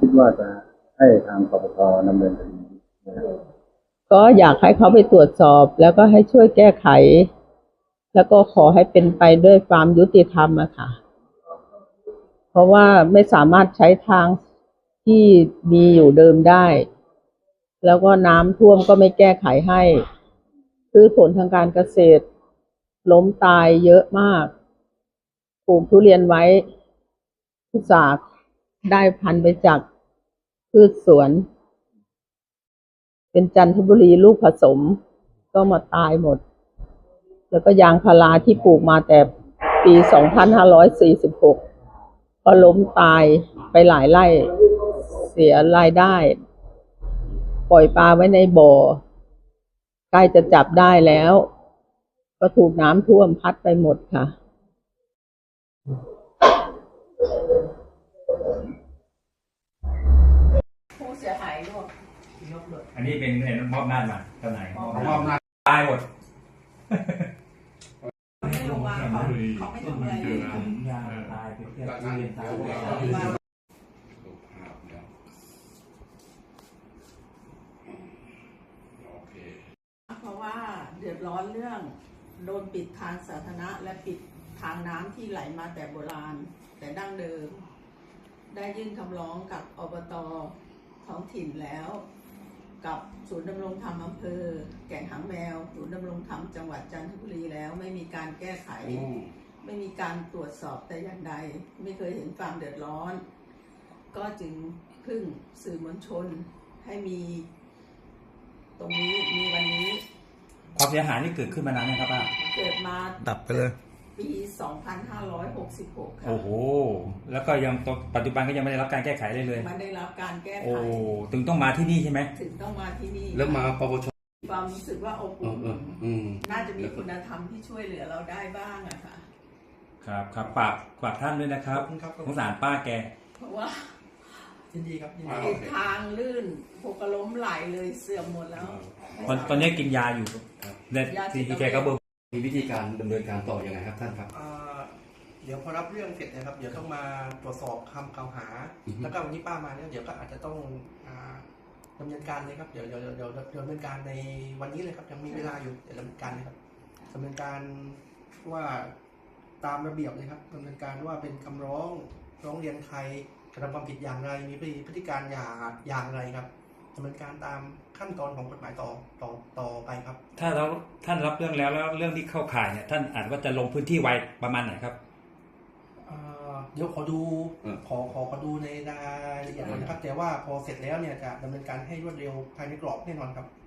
คิดว่าจะให้ทางปปชดำเนินคดีนะครับก็อยากให้เขาไปตรวจสอบแล้วก็ให้ช่วยแก้ไขแล้วก็ขอให้เป็นไปด้วยความยุติธรรมอะค่ะเพราะว่าไม่สามารถใช้ทางที่มีอยู่เดิมได้แล้วก็น้ำท่วมก็ไม่แก้ไขให้พืชผลทางการเกษตรล้มตายเยอะมากปลูกทุเรียนไว้อุตส่าห์ได้พันธุ์ไปจากพืชสวนเป็นจันทบุรีลูกผสมก็มาตายหมดแล้วก็ยางพาราที่ปลูกมาแต่ปี2546ก็ล้มตายไปหลายไร่เสียรายได้ปล่อยปลาไว้ในบ่อใกล้จะจับได้แล้วก็ถูกน้ำท่วมพัดไปหมดค่ะผู้เสียหายร่วมอันนี้เป็นมอบหน้ามาเจ้านายมอบหน้าตายหมดไม่ลงมาเขาไม่ทำอะไรเลยยางตายไปเทียบเรียนตายเพราะว่าเดือดร้อนเรื่องโดนปิดทางสาธารณะและปิดทางน้ำที่ไหลมาแต่โบราณแต่ดั้งเดิมได้ยื่นคำร้องกับอบต.ท้องถิ่นแล้วกับศูนย์ดำรงธรรมอำเภอแก่งหางแมวศูนย์ดำรงธรรมจังหวัดจันทบุรีแล้วไม่มีการแก้ไขไม่มีการตรวจสอบแต่อย่างใดไม่เคยเห็นความเดือดร้อนก็จึงพึ่งสื่อมวลชนให้มีตรงนี้มีวันนี้ความเสียหายนี่เกิดขึ้นมานานยังครับป้าเกิดมาดับไปเลยปี 2566 ค่ะโอ้โหแล้วก็ยังปัจจุบันก็ยังไม่ได้รับการแก้ไขเลยมันได้รับการแก้ไขโอ้ถึงต้องมาที่นี่ใช่ไหมถึงต้องมาที่นี่แล้วมาปปชความรู้สึกว่าอบอุ่นน่าจะมีคุณธรรมที่ช่วยเหลือเราได้บ้างอะค่ะครับฝากท่านด้วยนะครับสงสารป้าแกเพราะว่ายินดีครับทางลื่นหกล้มไหลเลยเสื่อมหมดแล้วตอนนี้กินยาอยู่เนี่ยที่แกก็เบิกมีวิธีการดำเนินการต่อยังไงครับท่านครับเดี๋ยวพอรับเรื่องเสร็จนะครับเดี๋ยวต้องมาตรวจสอบคำกล่าวหาแล้วก็วันนี้ป้ามาเนี่ยเดี๋ยวก็อาจจะต้องดำเนินการเลยครับเดี๋ยวดำเนินการในวันนี้เลยครับยังมีเวลาอยู่เดี๋ยวดำเนินการเลยครับดำเนินการว่าตามระเบียบเลยครับดำเนินการว่าเป็นคำร้องเรียนใครกระทำความผิดอย่างไรมีพฤติการอย่างไรครับดำเนินการตามขั้นตอนของกฎหมายต่อไปครับถ้าท่านรับเรื่องแล้วเรื่องที่เข้าข่ายเนี่ยท่านอาจว่าจะลงพื้นที่ไวประมาณไหนครับเดี๋ยวขอดูในรายละเอียดนะครับแต่ว่าพอเสร็จแล้วเนี่ยจะดำเนินการให้รวดเร็วภายในกรอบแน่นอนครับ